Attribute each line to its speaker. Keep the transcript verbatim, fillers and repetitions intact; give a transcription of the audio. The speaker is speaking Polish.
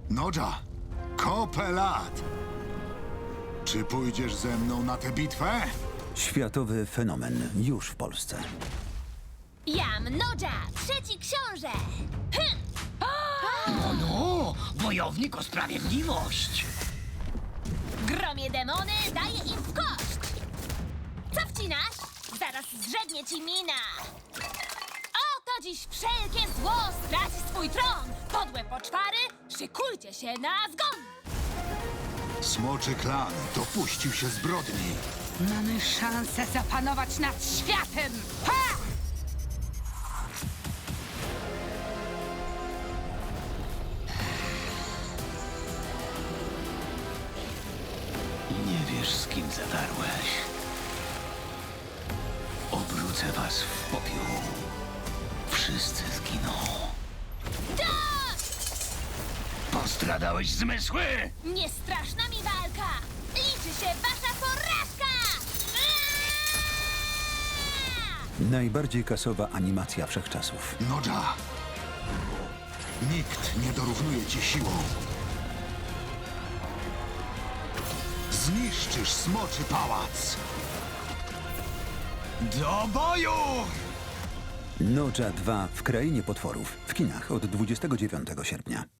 Speaker 1: Nodża, kopę lat! Czy pójdziesz ze mną na tę bitwę?
Speaker 2: Światowy fenomen już w Polsce.
Speaker 3: Jam Nodża, trzeci książę! Hm.
Speaker 4: No, no, wojownik o sprawiedliwość.
Speaker 3: Gromie demony, daję im w kość! Co wcinasz? Zaraz zrzednie ci mina! Oto dziś wszelkie zło straci swój tron! Podłe poczwary, szykujcie się na zgon!
Speaker 1: Smoczy klan dopuścił się zbrodni.
Speaker 5: Mamy szansę zapanować nad światem! Ha!
Speaker 4: Nie wiesz, z kim zadarłeś. Obrócę was w popiół. Wszyscy zginą.
Speaker 3: Dość!
Speaker 4: Postradałeś zmysły?
Speaker 3: Nie straszna mi walka! Liczy się wasza porażka! Aaaa!
Speaker 2: Najbardziej kasowa animacja wszechczasów.
Speaker 1: Nodża! Nikt nie dorównuje ci siłą. Zniszczysz smoczy pałac! Do boju!
Speaker 2: Nodża dwa w Krainie Potworów. W kinach od dwudziestego dziewiątego sierpnia.